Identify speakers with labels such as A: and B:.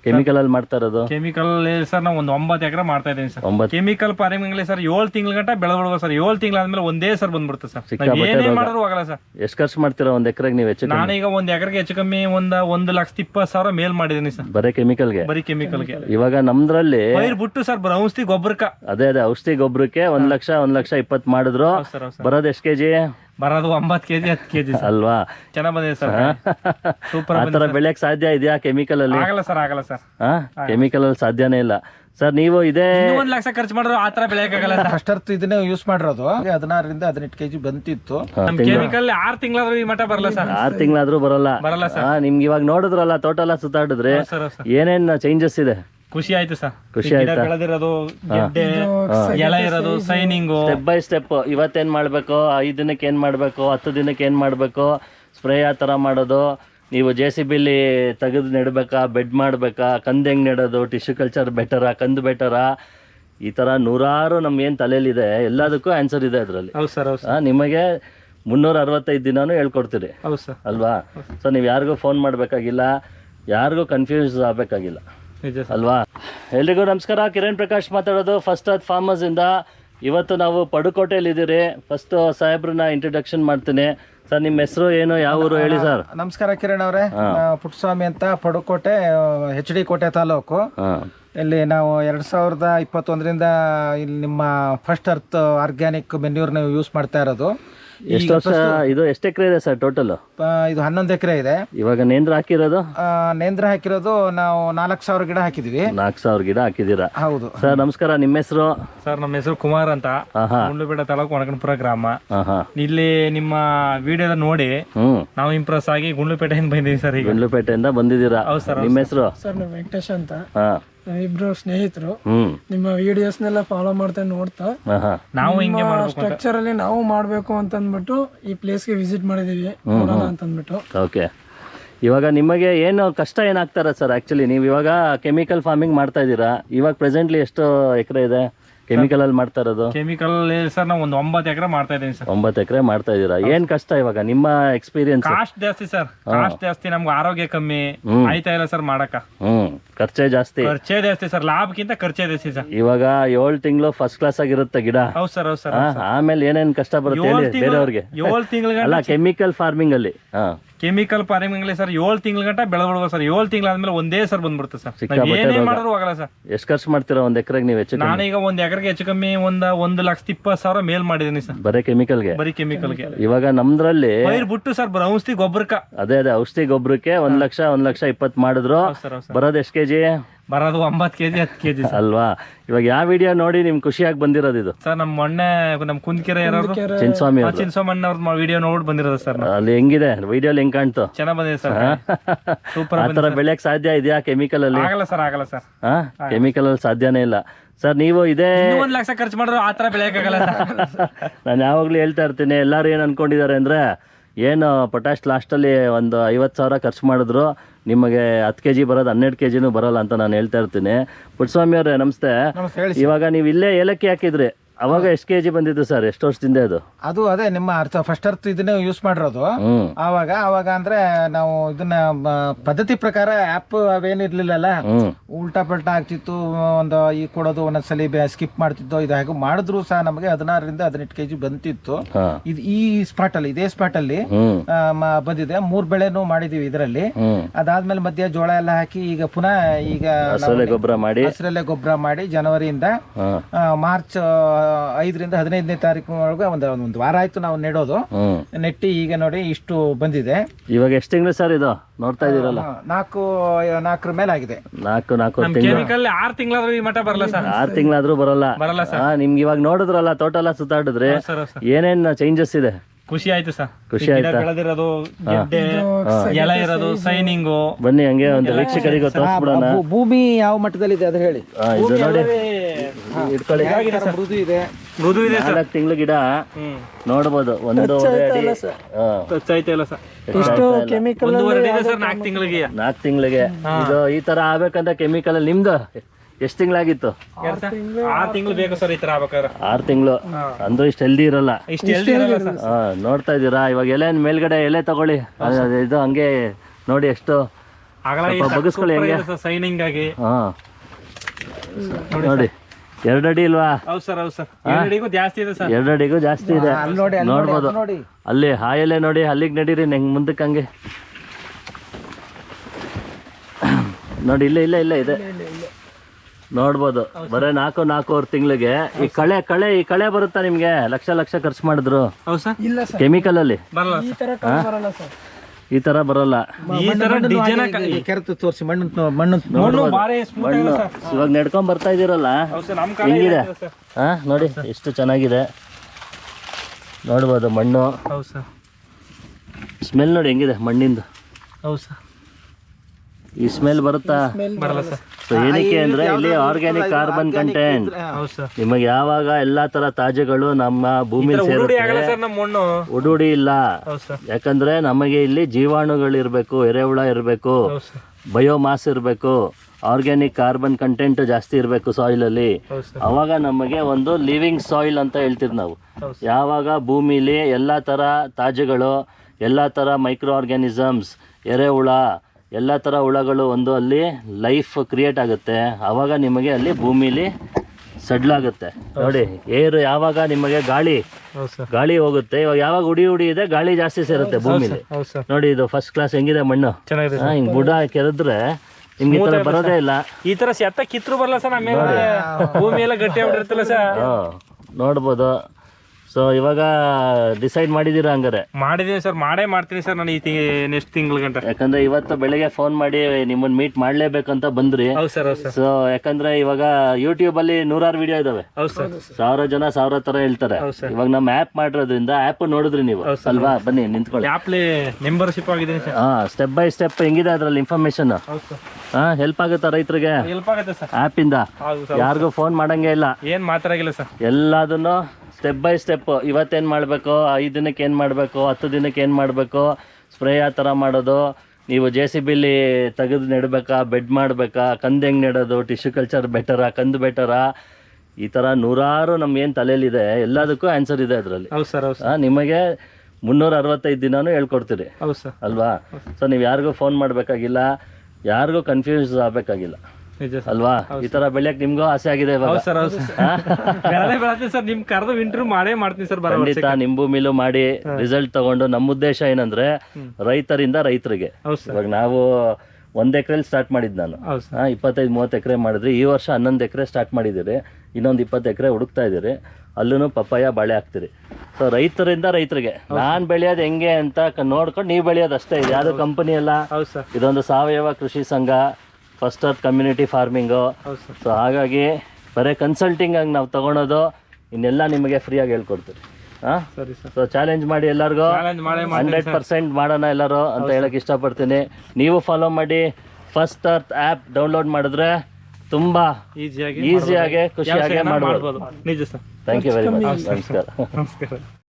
A: Chemical ಅಲ್ಲಿ ಮಾಡ್ತಾ ಇರೋದು?
B: ಕೆಮಿಕಲ್ ಸರ್ ನಾವು ಒಂದು 9 ಎಕರೆ ಮಾಡ್ತಾ ಇದ್ದೀನಿ ಸರ್. ಕೆಮಿಕಲ್ ಫಾರ್ಮಿಂಗ್ ಸರ್ 7 ತಿಂಗಳ ಗಂಟ ಬೆಳೆಬಿಡುವ ಸರ್. 7 ತಿಂಗಳಾದ್ಮೇಲೆ ಒಂದೇ ಸರ್ ಬಂದ್ಬಿಡುತ್ತೆ ಸರ್. ಏನೇ ಮಾಡಿದ್ರು ಆಗಲ್ಲ ಸರ್.
A: ಎಷ್ಟು ಖರ್ಚು ಮಾಡ್ತೀರಾ ಒಂದ್ ಎಕರೆಗೆ ನೀವು? ಹೆಚ್ಚು
B: ನಾನೀಗ 1 ಎಕರೆಗೆ ಹೆಚ್ಚು ಕಮ್ಮಿ 1,20,000 ಮೇಲ್ ಮಾಡಿದೀನಿ ಸರ್.
A: ಬರೀ ಕೆಮಿಕಲ್ಗೆ?
B: ಬರೀ ಕೆಮಿಕಲ್ಗೆ.
A: ಇವಾಗ ನಮ್ದ್ರಲ್ಲಿ
B: ಪೈರ್ ಬಿಟ್ಟು ಸರ್ ಔಷಧಿ ಗೊಬ್ಬರಕ್ಕ.
A: ಅದೇ ಔಷಧಿ ಗೊಬ್ಬರಕ್ಕೆ 1,20,000 ಮಾಡಿದ್ರು. ಬರೋದು ಎಷ್ಟು ಕೆಜಿ?
B: ಬರೋದು 9 ಕೆಜಿ 10 ಕೆಜಿ
A: ಅಲ್ವಾ?
B: ಚೆನ್ನಾಗ್ ಬಂದಿದೆ ಸರ್. ಸೂಪರ್.
A: ಆತರ ಬೆಳೆಯಕ್ ಸಾಧ್ಯ ಇದೆಯಾ ಕೆಮಿಕಲ್ ಅಲ್ಲಿ?
B: ಆಗಲ್ಲ ಸರ್, ಆಗಲ್ಲ ಸರ್.
A: ಕೆಮಿಕಲ್ ಅಲ್ಲಿ ಸಾಧ್ಯನೇ ಇಲ್ಲ ಸರ್. ನೀವು ಇದೇ
B: 1 ಲಕ್ಷ ಖರ್ಚು ಮಾಡಿದ್ರು ಆತರ ಬೆಳೆಯಕ್ಕಾಗಲ್ಲ.
C: ಫಸ್ಟ್ ಅರ್ಥ ಇದನ್ನೇ ಯೂಸ್ ಮಾಡಿರೋದು. 16 ರಿಂದ 18 ಕೆಜಿ ಬಂತಿತ್ತು.
B: ಕೆಮಿಕಲ್ 6 ತಿಂಗಳಾದ್ರೂ ಈ ಮಠ ಬರಲ್ಲ ಸರ್.
A: 6 ತಿಂಗಳಾದ್ರೂ ಬರಲ್ಲ
B: ಸರ್.
A: ನಿಮ್ಗೆ ಇವಾಗ ನೋಡಿದ್ರಲ್ಲ ತೋಟ ಎಲ್ಲ ಸುತ್ತಾಡಿದ್ರೆ ಏನೇನ್ ಚೇಂಜಸ್ ಇದೆ?
B: ಖುಷಿ ಆಯ್ತು ಸರ್.
A: ಖುಷಿ ಆಯ್ತಾ?
B: ಬೆಳೆದಿರೋದು ಗೆಡ್ಡೆ ಎಲೆ ಇರೋದು ಸೈನಿಂಗು
A: ಸ್ಟೆಪ್ ಬೈ ಸ್ಟೆಪ್. ಇವತ್ತೇನ್ ಮಾಡ್ಬೇಕು, 5 ದಿನಕ್ಕೆ ಏನ್ ಮಾಡ್ಬೇಕು, 10 ದಿನಕ್ಕೆ ಏನ್ ಮಾಡ್ಬೇಕು, ಸ್ಪ್ರೇ ಆ ತರ ಮಾಡೋದು, ನೀವು JCB ತೆಗೆದು ನೆಡ್ಬೇಕಾ, ಬೆಡ್ ಮಾಡ್ಬೇಕಾ, ಕಂದು ಹೆಂಗ್ ನೆಡೋದು, ಟಿಶ್ಯೂ ಕಲ್ಚರ್ ಬೆಟರಾ, ಕಂದು ಬೆಟರಾ, ಈ ತರ ನೂರಾರು ನಮ್ಗೆ ಏನ್ ತಲೆಯಲ್ಲಿದೆ ಎಲ್ಲದಕ್ಕೂ ಆನ್ಸರ್ ಇದೆ ಅದ್ರಲ್ಲಿ. ನಿಮಗೆ 365 ದಿನಾನು ಹೇಳ್ಕೊಡ್ತೀರಿ ಅಲ್ವಾ? ಸೊ ನೀವು ಯಾರಿಗೂ ಫೋನ್ ಮಾಡ್ಬೇಕಾಗಿಲ್ಲ, ಯಾರಿಗೂ ಕನ್ಫ್ಯೂಸ್ ಆಗ್ಬೇಕಾಗಿಲ್ಲ ಅಲ್ವಾ? ಎಲ್ರಿಗೂ ನಮಸ್ಕಾರ. ಕಿರಣ್ ಪ್ರಕಾಶ್ ಮಾತಾಡೋದು ಫಸ್ಟ್ ಅರ್ತ್ ಫಾರ್ಮರ್ಸ್ ಇಂದ. ಇವತ್ತು ನಾವು ಪಡುಕೋಟೆಯಲ್ಲಿ ಇದ್ದೀರಿ. ಫಸ್ಟ್ ಸಾಹೇಬ್ರನ್ನ ಇಂಟ್ರೊಡಕ್ಷನ್ ಮಾಡ್ತೀನಿ. ಸರ್ ನಿಮ್ಮ ಹೆಸರು ಏನು, ಯಾವ ಊರು ಹೇಳಿ ಸರ್?
C: ನಮಸ್ಕಾರ ಕಿರಣ್ ಅವರೇ. ಪುಟ್ಟಸ್ವಾಮಿ ಅಂತ, ಪಡುಕೋಟೆ, HD ಕೋಟೆ ತಾಲೂಕು. ಇಲ್ಲಿ ನಾವು 2021ರಿಂದ ಇಲ್ಲಿ ನಿಮ್ಮ ಫಸ್ಟ್ ಅರ್ತ್ ಆರ್ಗ್ಯಾನಿಕ್ ಮೆನ್ಯೂರ್ ನಾವು ಯೂಸ್ ಮಾಡ್ತಾ ಇರೋದು.
A: ಎಷ್ಟು ವರ್ಷ ಇದು? ಎಷ್ಟು ಎಕರೆ ಇದೆ ಸರ್ ಟೋಟಲ್?
C: ಇದು 11 ಎಕರೆ ಇದೆ.
A: ಇವಾಗ ನೇಂದ್ರ ಹಾಕಿರೋದು?
C: ನೇಂದ್ರ ಹಾಕಿರೋದು ನಾವು 4,000 ಗಿಡ ಹಾಕಿದೀವಿ.
A: 4,000 ಗಿಡ ಹಾಕಿದೀರಾ?
C: ಹೌದು
A: ಸರ್. ನಮಸ್ಕಾರ, ನಿಮ್ಮ ಹೆಸರು?
B: ಸರ್ ನಮ್ಮ ಹೆಸರು ಕುಮಾರ್ ಅಂತ, ಗುಂಡ್ಲುಪೇಟೆ ತಾಲೂಕು ಒಣಕನಪುರ ಗ್ರಾಮ. ಇಲ್ಲಿ ನಿಮ್ಮ ವಿಡಿಯೋದ ನೋಡಿ ನಾವು ಇಂಪ್ರೆಸ್ ಆಗಿ ಗುಂಡ್ಲುಪೇಟೆಯಿಂದ ಬಂದಿದ್ದೀವಿ ಸರ್. ಈಗ
A: ಗುಂಡ್ಲುಪೇಟೆಯಿಂದ ಬಂದಿದ್ದೀರಾ? ನಿಮ್ಮ ಹೆಸರು?
D: ಸರ್ ನಾವು ವೆಂಕಟೇಶ್ ಅಂತ, ಇಬ್ರು ಸ್ನೇಹಿತರು. ನಿಮ್ಮ ವಿಡಿಯೋಸ್ನೆಲ್ಲ ಫಾಲೋ ಮಾಡ್ತಾ ನೋಡ್ತಾ
B: ನಾವು ಹಿಂಗೆ
D: ಸ್ಟ್ರಕ್ಚರ್ ಅಲ್ಲಿ ನಾವು ಮಾಡ್ಬೇಕು ಅಂತ ಅಂದ್ಬಿಟ್ಟು ಈ ಪ್ಲೇಸ್ಗೆ ವಿಸಿಟ್ ಮಾಡಿದೀವಿ ನೋಡೋಣ ಅಂತ ಅಂದ್ಬಿಟ್ಟು.
A: ಓಕೆ. ಇವಾಗ ನಿಮಗೆ ಏನು ಕಷ್ಟ ಏನಾಗ್ತಾರ ಸರ್? ಆಕ್ಚುಲಿ ನೀವು ಇವಾಗ ಕೆಮಿಕಲ್ ಫಾರ್ಮಿಂಗ್ ಮಾಡ್ತಾ ಇದ್ದೀರಾ. ಇವಾಗ ಪ್ರೆಸೆಂಟ್ಲಿ ಎಷ್ಟು ಎಕರೆ ಇದೆ ಕೆಮಿಕಲ್ ಅಲ್ಲಿ ಮಾಡ್ತಾ ಇರೋದು?
B: ಕೆಮಿಕಲ್ ಸರ್ ನಾವು ಒಂದು 9 ಎಕರೆ ಮಾಡ್ತಾ ಇದ್ದೀನಿ ಸರ್.
A: 9 ಎಕರೆ ಮಾಡ್ತಾ ಇದ್ದೀರಾ. ಏನ್ ಕಷ್ಟ ಇವಾಗ ನಿಮ್ಮ ಎಕ್ಸ್ಪೀರಿಯನ್ಸ್?
B: ಕಾಸ್ಟ್ ಜಾಸ್ತಿ ಸರ್, ಕಾಸ್ಟ್ ಜಾಸ್ತಿ. ನಮ್ಗೆ ಆರೋಗ್ಯ ಕಮ್ಮಿ ಆಯ್ತಾ ಇಲ್ಲ ಸರ್ ಮಾಡಕ.
A: ಖರ್ಚೆ ಜಾಸ್ತಿ.
B: ಖರ್ಚೇ ಜಾಸ್ತಿ ಸರ್, ಲಾಭಕ್ಕಿಂತ ಖರ್ಚೇ ಜಾಸ್ತಿ ಸರ್.
A: ಇವಾಗ 7 ತಿಂಗಳು ಫಸ್ಟ್ ಕ್ಲಾಸ್ ಆಗಿರುತ್ತೆ ಗಿಡ.
B: ಹೌದು ಸರ್, ಹೌದು ಸರ್.
A: ಆಮೇಲೆ ಏನೇನ್ ಕಷ್ಟ ಬರುತ್ತೆ ಹೇಳಿ ಬೇರೆಯವ್ರಿಗೆ?
B: 7 ತಿಂಗಳ
A: ಅಲ್ಲ, ಕೆಮಿಕಲ್ ಫಾರ್ಮಿಂಗ್ ಅಲ್ಲಿ.
B: ಕೆಮಿಕಲ್ ಫಾರ್ಮಿಂಗ್ ಸರ್ 7 ತಿಂಗಳ ಗಂಟ ಬೆಳೆಬಿಡುವ ಸರ್. 7 ತಿಂಗಳಾದ್ಮೇಲೆ ಒಂದೇ ಸರ್ ಬಂದ್ಬಿಡುತ್ತೆ ಸರ್. ಏನೇ ಮಾಡಿದ್ರು ಆಗಲ್ಲ ಸರ್.
A: ಎಷ್ಟು ಖರ್ಚು ಮಾಡ್ತೀರಾ ಒಂದ್ ಎಕರೆಗೆ ನೀವು? ಹೆಚ್ಚು
B: ನಾನೀಗ 1 ಎಕರೆಗೆ ಹೆಚ್ಚು ಕಮ್ಮಿ 1,20,000 ಮೇಲ್ ಮಾಡಿದೀನಿ ಸರ್.
A: ಬರೀ ಕೆಮಿಕಲ್ಗೆ?
B: ಬರೀ ಕೆಮಿಕಲ್ಗೆ.
A: ಇವಾಗ ನಮ್ದ್ರಲ್ಲಿ
B: ಪೈರ್ ಬಿಟ್ಟು ಸರ್ ಔಷಧಿ ಗೊಬ್ಬರಕ್ಕ.
A: ಅದೇ ಔಷಧಿ ಗೊಬ್ಬರಕ್ಕೆ 1,20,000 ಮಾಡಿದ್ರು. ಬರೋದು ಎಷ್ಟು ಕೆಜಿ?
B: ಬರೋದು 9 ಕೆಜಿ 10 ಕೆಜಿ
A: ಅಲ್ವಾ? ಇವಾಗ ಯಾವ ವಿಡಿಯೋ ನೋಡಿ ನಿಮ್ ಖುಷಿಯಾಗಿ ಬಂದಿರೋದು ಇದು?
B: ಸರ್ ನಮ್ಮ ಮೊನ್ನೆ ನಮ್ ಕುಂದಕೆರೆ
A: ಚಿನ್ಸ್ವಾಮಿ
B: ಅವ್ರ ವಿಡಿಯೋ ನೋಡಿ ಬಂದಿರೋದು ಸರ್.
A: ಅಲ್ಲಿ ಹೆಂಗಿದೆ ವಿಡಿಯೋ? ಹೆಂಗ್ ಕಾಣ್ತು?
B: ಚೆನ್ನಾಗ್ ಬಂದಿದೆ ಸರ್. ಸೂಪರ್.
A: ಆತರ ಬೆಳೆಯಕ್ ಸಾಧ್ಯ ಇದೆಯಾ ಕೆಮಿಕಲ್ ಅಲ್ಲಿ?
B: ಆಗಲ್ಲ ಸರ್, ಆಗಲ್ಲ ಸರ್.
A: ಕೆಮಿಕಲ್ ಅಲ್ಲಿ ಸಾಧ್ಯನೇ ಇಲ್ಲ ಸರ್. ನೀವು ಇದೇ
B: 1 ಲಕ್ಷ ಖರ್ಚು ಮಾಡಿದ್ರು ಆತರ ಬೆಳೆಯಕ್ಕಾಗಲ್ಲ.
A: ನಾನು ಯಾವಾಗ್ಲೂ ಹೇಳ್ತಾ ಇರ್ತೀನಿ, ಎಲ್ಲಾರು ಏನ್ ಅನ್ಕೊಂಡಿದ್ದಾರೆ ಅಂದ್ರೆ ಏನು ಪೊಟ್ಯಾಶ್ ಲಾಸ್ಟಲ್ಲಿ ಒಂದು 50,000 ಖರ್ಚು ಮಾಡಿದ್ರು ನಿಮಗೆ 10 ಕೆಜಿ ಬರೋದು 12 ಕೆಜಿನೂ ಬರೋಲ್ಲ ಅಂತ ನಾನು ಹೇಳ್ತಾ ಇರ್ತೀನಿ. ಪುಟ್ಟಸ್ವಾಮಿ ಅವರೇ ನಮಸ್ತೆ. ಇವಾಗ ನೀವು ಇಲ್ಲೇ ಏಲಕ್ಕಿ ಹಾಕಿದ್ರಿ, ಅವಾಗ ಎಷ್ಟು ಕೆಜಿ ಬಂದಿದ್ದು ಸರ್? ಎಷ್ಟು ವರ್ಷದಿಂದ ಅದು?
C: ಅದು ಅದೇ ನಿಮ್ಮ ಫಸ್ಟ್ ಅರ್ತ್ ಇದನ್ನೇ ಯೂಸ್ ಮಾಡಿರೋದು. ಅವಾಗ ಅಂದ್ರೆ ನಾವು ಇದನ್ನ ಪದ್ಧತಿ ಪ್ರಕಾರ ಆಪ್ ಅವೇನಿರ್ಲಿಲ್ಲಲ್ಲ, ಉಲ್ಟಾ ಪಲ್ಟಾ ಆಗ್ತಿತ್ತು. ಒಂದು ಈ ಕೊಡೋದು ಒಂದೊಂದ್ಸಲಿ ಸ್ಕಿಪ್ ಮಾಡ್ತಿದ್ದೋ. ಇದು ಹಾಗೆ ಮಾಡಿದ್ರು ಸಹ ನಮಗೆ 16ರಿಂದ 18 ಕೆಜಿ ಬಂತಿತ್ತು. ಇದು ಈ ಸ್ಪಾಟ್ ಅಲ್ಲಿ, ಇದೇ ಸ್ಪಾಟ್ ಅಲ್ಲಿ ಬಂದಿದೆ. 3 ಬೆಳೆನೂ ಮಾಡಿದೀವಿ ಇದರಲ್ಲಿ. ಅದಾದ್ಮೇಲೆ ಮಧ್ಯ ಜೋಳ ಎಲ್ಲ ಹಾಕಿ ಈಗ ಪುನಃ ಈಗ
A: ಹಸಿರೆಲೆ
C: ಗೊಬ್ಬರ ಮಾಡಿ ಜನವರಿಯಿಂದ ಮಾರ್ಚ್ 5ರಿಂದ 15ನೇ ತಾರೀಕು ಒಳಗೆ ಒಂದು ವಾರ ಆಯ್ತು ನಾವು ನೆಡೋದು. ನೆಟ್ಟಿ ಈಗ ನೋಡಿ ಇಷ್ಟು ಬಂದಿದೆ.
A: ಇವಾಗ ಎಷ್ಟು ತಿಂಗಳು ಸರ್ ಇದು ನೋಡ್ತಾ ಇದೀರಲ್ಲ?
C: 4 ಮೇಲೆ ಆಗಿದೆ.
A: 4
B: ಕೆಮಿಕಲ್ 6 ತಿಂಗಳಾದ್ರೂ ಈ ಮಠ ಬರಲ್ಲ ಸರ್.
A: 6 ತಿಂಗಳಾದ್ರೂ ಬರಲ್ಲ. ನಿಮ್ಗೆ ಇವಾಗ ನೋಡಿದ್ರಲ್ಲ ತೋಟ ಎಲ್ಲ ಸುತ್ತಾಡಿದ್ರೆ ಏನೇನ್ ಚೇಂಜಸ್ ಇದೆ?
B: ಖುಷಿ ಆಯ್ತು ಸರ್.
A: ಖುಷಿ ಆಯ್ತಾ?
B: ಬೆಳೆದಿರೋದು ಗೆಡ್ಡೆ ಎಲೆ ಇರೋದು ಸೈನಿಂಗು.
A: ಬನ್ನಿ ಹಂಗೆ ಒಂದು ವೀಕ್ಷಕರಿಗೆ ತೋರಿಸ್ಬಿಡೋಣ.
C: ಭೂಮಿ ಯಾವ ಮಟ್ಟದಲ್ಲಿ ಇದೆ ಅದು ಹೇಳಿ.
A: ಇದು ನೋಡಿ ಇಟ್ಕೊಳ್ಳಿ.
C: ಮೃದು ಇದೆ,
B: ಮೃದು ಇದೆ.
A: 4 ತಿಂಗಳು ಗಿಡ ನೋಡ್ಬೋದು. 1.5 ಅಡಿ
B: ಖರ್ಚಾಯ್ತಾ ಇಲ್ಲ ಸರ್.
D: ಎಷ್ಟು ಕೆಮಿಕಲ್
B: 1.5 ಇದೆ ಸರ್ 4 ತಿಂಗಳಿಗೆ.
A: 4 ತಿಂಗಳಿಗೆ ಇದು ಈ ತರ ಆಗ್ಬೇಕಂತ ಕೆಮಿಕಲ್ ಅಲ್ಲಿ. ನಿಮ್ದು ಎಷ್ಟು ತಿಂಗಳಾಗಿತ್ತು?
B: 6 ತಿಂಗಳು ಬೇಕು ಸರ್ ಈ ತರ ಆಗ್ಬೇಕಾದ್ರೆ.
A: 6 ತಿಂಗಳು ಅಂದ್ರೆ ಇಷ್ಟು ಹೆಲ್ದಿ ಇರಲ್ಲ. ನೋಡ್ತಾ ಇದ್ದೀರಾ? ಇವಾಗ ಎಲೆ ಮೇಲ್ಗಡೆ ಎಲೆ ತಗೊಳ್ಳಿ, ಇದು ಹಂಗೆ ನೋಡಿ ಎಷ್ಟು ಸ್ವಲ್ಪ ಬಗ್ಗಿಸ್ಕೊಳ್ಳಿ ಹೆಂಗೆ.
B: ಸೈನಿಂಗ್ ಆಗಿ.
A: ಹಾ ನೋಡಿ 2 ಅಡಿ ಇಲ್ವಾ?
B: ಹೌದು ಸರ್, ಹೌದು ಸರ್. 2 ಅಡಿಗೂ ಜಾಸ್ತಿ ಇದೆ ಸರ್.
A: 2 ಅಡಿಗೂ ಜಾಸ್ತಿ ಇದೆ, ನೋಡ್ಬೋದು. ಅಲ್ಲಿ ಹಾಯಲ್ಲೇ ನೋಡಿ, ಅಲ್ಲಿಗೆ ನಡೀರಿ ಹೆಂಗ್ ಮುಂದಕ್ಕೆ ಹಂಗೆ ನೋಡಿ. ಇಲ್ಲೇ ಇದೆ ನೋಡ್ಬೋದು. ಬರೀ 4-4 ತಿಂಗಳಿಗೆ ಈ ಕಳೆ ಬರುತ್ತಾ ನಿಮ್ಗೆ? ಲಕ್ಷ ಖರ್ಚು ಮಾಡಿದ್ರು
B: ಹೌದು ಸರ್.
D: ಇಲ್ಲ ಸರ್,
A: ಕೆಮಿಕಲ್ ಅಲ್ಲಿ
B: ಬರಲ್ಲ.
D: ಈ ತರ ಕಳೆ ಬರಲ್ಲ ಸರ್.
A: ಈ ತರ ಬರಲ್ಲ.
B: ಈ ತರ ಡಿಸೈನ್
C: ಕೆರೆತು ತೋರಿಸಿ ಮಣ್ಣು
B: ಮಣ್ಣು ಬಾರಿ ಸ್ಮೂತ್
A: ಮಣ್ಣು ಇವಾಗ ನಡ್ಕೊಂಡ್ ಬರ್ತಾ ಇದೀರಲ್ಲ,
B: ಹೌದು ಸರ್. ನಮ್ಮ ಕಡೆ
A: ಹೆಂಗಿದೆ?
B: ಸರ್.
A: ಹಾ ನೋಡಿ ಎಷ್ಟು ಚೆನ್ನಾಗಿದೆ, ನೋಡ್ಬೋದು ಮಣ್ಣು.
B: ಹೌದು ಸರ್.
A: ಸ್ಮೆಲ್ ನೋಡಿ ಹೆಂಗಿದೆ ಮಣ್ಣಿಂದು.
B: ಹೌದು ಸರ್.
A: ಈ ಸ್ಮೆಲ್ ಬರುತ್ತಾ?
B: ಬರಲ್ಲ ಸರ್.
A: ಸೊ ಏನಕ್ಕೆ ಅಂದ್ರೆ ಇಲ್ಲಿ ಆರ್ಗ್ಯಾನಿಕ್ ಕಾರ್ಬನ್ ಕಂಟೆಂಟ್.
B: ಹೌದು ಸರ್.
A: ನಿಮಗೆ ಯಾವಾಗ ಎಲ್ಲಾ ತರ ತಾಜೆಗಳು ನಮ್ಮ ಭೂಮಿಲಿ
B: ಉರುಡಿ ಆಗಲ್ಲ
A: ಸೇರುತ್ತೆ,
B: ಸರ್ ನಮ್ಮ ಮಣ್ಣು.
A: ಉಡುಡಿ ಇಲ್ಲ.
B: ಹೌದು ಸರ್.
A: ಯಾಕಂದ್ರೆ ನಮಗೆ ಇಲ್ಲಿ ಜೀವಾಣುಗಳಿರ್ಬೇಕು, ಎರೆಹುಳ ಇರಬೇಕು,
B: ಹೌದು ಸರ್.
A: ಬಯೋಮಾಸ್ ಇರಬೇಕು, ಆರ್ಗ್ಯಾನಿಕ್ ಕಾರ್ಬನ್ ಕಂಟೆಂಟ್ ಜಾಸ್ತಿ ಇರಬೇಕು ಸಾಯಿಲ್ ಅಲ್ಲಿ.
B: ಹೌದು ಸರ್.
A: ಅವಾಗ ನಮಗೆ ಒಂದು ಲಿವಿಂಗ್ ಸಾಯಿಲ್ ಅಂತ ಹೇಳ್ತೀವಿ ನಾವು.
B: ಹೌದು.
A: ಯಾವಾಗ ಭೂಮಿಲಿ ಎಲ್ಲ ಥರ ತಾಜೆಗಳು, ಎಲ್ಲ ಥರ ಮೈಕ್ರೋ ಆರ್ಗ್ಯಾನಿಸಮ್ಸ್, ಎರೆಹುಳ, ಎಲ್ಲ ಥರ ಹುಳಗಳು ಒಂದು ಅಲ್ಲಿ ಲೈಫ್ ಕ್ರಿಯೇಟ್ ಆಗುತ್ತೆ, ಆವಾಗ ನಿಮಗೆ ಅಲ್ಲಿ ಭೂಮಿಲಿ ಸಡ್ಲಾಗುತ್ತೆ. ನೋಡಿ ಏರು ಯಾವಾಗ ನಿಮಗೆ
B: ಹೌದು ಸರ್.
A: ಗಾಳಿ ಹೋಗುತ್ತೆ, ಇವಾಗ ಯಾವಾಗ ಉಡಿ ಇದೆ ಗಾಳಿ ಜಾಸ್ತಿ ಸೇರುತ್ತೆ ಭೂಮಿಲಿ.
B: ಹೌದು ಸರ್.
A: ನೋಡಿ ಇದು ಫಸ್ಟ್ ಕ್ಲಾಸ್ ಹೆಂಗಿದೆ ಮಣ್ಣು.
B: ಚೆನ್ನಾಗಿದೆ.
A: ಹಿಂಗೆ ಬುಡ ಕೆರೆದ್ರೆ ನಿಮ್ಗೆ ಈ ಥರ ಬರೋದೇ ಇಲ್ಲ.
B: ಈ ತರ ಎತ್ತ ಕಿತ್ರು ಬರಲ್ಲ ಸರ್. ನಮ್ಮ ಮೇಲೆ ಭೂಮಿ ಎಲ್ಲ ಗಟ್ಟಿ ಆಗ್ಬಿಟ್ಟಿರ್ತಲ್ಲ ಸರ್.
A: ನೋಡ್ಬೋದು. ಸೊ ಇವಾಗ ಡಿಸೈಡ್ ಮಾಡಿದ್ದೀರಾ ಹಂಗಾರೆ?
B: ಮಾಡಿದೀನಿ ಸರ್, ಮಾಡ್ತೀನಿ ಸರ್ ನಾನು ನೆಕ್ಸ್ಟ್ ತಿಂಗಳ ಗಂಟ.
A: ಯಾಕಂದ್ರೆ ಇವತ್ತು ಬೆಳಿಗ್ಗೆ ಫೋನ್ ಮಾಡಿ ನಿಮ್ಮನ್ನ ಮೀಟ್ ಮಾಡ್ಲೇಬೇಕಂತ ಬಂದ್ರಿ.
B: ಹೌದು ಸರ್, ಹೌದು ಸರ್.
A: ಸೊ ಯಾಕಂದ್ರೆ ಇವಾಗ ಯೂಟ್ಯೂಬ್ ಅಲ್ಲಿ 100 ವಿಡಿಯೋ ಇದಾವೆ.
B: ಹೌದು ಸರ್.
A: 1000 ಜನ 1000 ತರ ಹೇಳ್ತಾರೆ.
B: ಹೌದು ಸರ್.
A: ಇವಾಗ ನಮ್ಮ ಆ್ಯಪ್ ಮಾಡಿರೋದ್ರಿಂದ ಆ್ಯಪ್ ನೋಡಿದ್ರಿ ನೀವು ಅಲ್ವಾ? ಬನ್ನಿ ನಿಂತ್ಕೊಳ್ಳಿ.
B: ಆ್ಯಪ್ಲಿ ಮೆಂಬರ್ಶಿಪ್ ಆಗಿದ್ದೀನಿ ಸರ್.
A: ಸ್ಟೆಪ್ ಬೈ ಸ್ಟೆಪ್ ಹೆಂಗಿದೆ ಅದ್ರಲ್ಲಿ ಇನ್ಫಾರ್ಮೇಶನ್.
B: ಹೌದು ಸರ್.
A: ಹೆಲ್ಪ್ ಆಗುತ್ತಾ ರೈತರಿಗೆ
B: ಹೆಲ್ಪ್ ಆಗುತ್ತೆ ಸರ್
A: ಆ್ಯಪ್ ಇಂದ?
B: ಹೌದು ಸರ್.
A: ಯಾರಿಗೂ ಫೋನ್ ಮಾಡಂಗೆ ಇಲ್ಲ,
B: ಏನ್ ಮಾತಾಡಂಗಿಲ್ಲ ಸರ್.
A: ಎಲ್ಲದನ್ನು ಸ್ಟೆಪ್ ಬೈ ಸ್ಟೆಪ್. ಇವತ್ತೇನು ಮಾಡಬೇಕು, 5 ದಿನಕ್ಕೆ ಏನು ಮಾಡಬೇಕು, 10 ದಿನಕ್ಕೆ ಏನು ಮಾಡಬೇಕು, ಸ್ಪ್ರೇ ಯಾವ ಥರ ಮಾಡೋದು, ನೀವು JCB ತೆಗೆದು ನೆಡಬೇಕಾ, ಬೆಡ್ ಮಾಡಬೇಕಾ, ಕಂದು ಹೆಂಗೆ ನೆಡೋದು, ಟಿಶ್ಯೂ ಕಲ್ಚರ್ ಬೆಟರಾ, ಕಂದು ಬೆಟರಾ, ಈ ಥರ 100 ನಮ್ಮ ಏನು ತಲೆಯಲ್ಲಿದೆ ಎಲ್ಲದಕ್ಕೂ ಆನ್ಸರ್ ಇದೆ ಅದರಲ್ಲಿ.
B: ಹೌದು ಸರ್, ಹೌದು.
A: ನಿಮಗೆ 365 ದಿನಾನೂ ಹೇಳ್ಕೊಡ್ತೀರಿ
B: ಹೌದು ಸರ್.
A: ಅಲ್ವಾ? ಸೊ ನೀವು ಯಾರಿಗೂ ಫೋನ್ ಮಾಡಬೇಕಾಗಿಲ್ಲ, ಯಾರಿಗೂ ಕನ್ಫ್ಯೂಸ್ ಆಗಬೇಕಾಗಿಲ್ಲ
B: ನಿಜ ಸರ್.
A: ಅಲ್ವಾ? ಈ ತರ ಬೆಳೆಯಕ್ಕೆ ನಿಮ್ಗೂ ಆಸೆ ಆಗಿದೆ ಇವಾಗ.
B: ಹೌದು ಸರ್, ಹೌದು ಸರ್. ಬೆಳತೀನಿ ಸರ್. ನಿಮ್ ಕರೆದು ಇಂಟರ್ವ್ಯೂ ಮಾಡೇ ಮಾಡ್ತೀನಿ ಸರ್.
A: ಖಂಡಿತ ನಿಮ್ ಭೂಮಿಲೂ ಮಾಡಿ ರಿಸಲ್ಟ್ ತಗೊಂಡು. ನಮ್ಮ ಉದ್ದೇಶ ಏನಂದ್ರೆ ರೈತರಿಂದ ರೈತರಿಗೆ.
B: ಹೌದು ಸರ್.
A: ಇವಾಗ ನಾವು 1 ಎಕರೆಲಿ ಸ್ಟಾರ್ಟ್ ಮಾಡಿದ್ದು ನಾನು.
B: ಹೌದು ಸರ್.
A: 25-30 ಎಕರೆ ಮಾಡಿದ್ರಿ. ಈ ವರ್ಷ 11 ಎಕರೆ ಸ್ಟಾರ್ಟ್ ಮಾಡಿದ್ದೀರಿ. ಇನ್ನೊಂದು 20 ಎಕರೆ ಹುಡುಕ್ತಾ ಇದ್ದೀರಿ. ಅಲ್ಲೂ ಪಪ್ಪಾಯ ಬಾಳೆ ಹಾಕ್ತೀರಿ. ಸೊ ರೈತರಿಂದ ರೈತರಿಗೆ ನಾನ್ ಬೆಳೆಯೋದು ಹೆಂಗೆ ಅಂತ ನೋಡ್ಕೊಂಡು ನೀವು ಬೆಳೆಯೋದು ಅಷ್ಟೇ. ಇದು ಯಾವುದು ಕಂಪನಿ ಅಲ್ಲ.
B: ಹೌದು ಸರ್.
A: ಇದೊಂದು ಸಾವಯವ ಕೃಷಿ ಸಂಘ, ಫಸ್ಟ್ ಅರ್ತ್ ಕಮ್ಯುನಿಟಿ ಫಾರ್ಮಿಂಗು.
B: ಹೌದು ಸರ್.
A: ಸೊ ಹಾಗಾಗಿ ಬರೀ ಕನ್ಸಲ್ಟಿಂಗ್ ಆಗಿ ನಾವು ತಗೊಳೋದು, ಇನ್ನೆಲ್ಲ ನಿಮಗೆ ಫ್ರೀಯಾಗಿ ಹೇಳ್ಕೊಡ್ತೀವಿ.
B: ಸರಿ ಸರ್.
A: ಸೊ ಚಾಲೆಂಜ್ ಮಾಡಿ ಎಲ್ಲರಿಗೂ. 100% ಮಾಡೋಣ ಎಲ್ಲರೂ ಅಂತ ಹೇಳಕ್ ಇಷ್ಟಪಡ್ತೀನಿ. ನೀವು ಫಾಲೋ ಮಾಡಿ. ಫಸ್ಟ್ ಅರ್ತ್ ಆ್ಯಪ್ ಡೌನ್ಲೋಡ್ ಮಾಡಿದ್ರೆ ತುಂಬಾ ಈಸಿಯಾಗಿ ಖುಷಿಯಾಗಿ ಮಾಡ್ಬೋದು.
B: ನಿಜ sir.
A: Thank you very much. ನಮಸ್ಕಾರ.
B: ನಮಸ್ಕಾರ.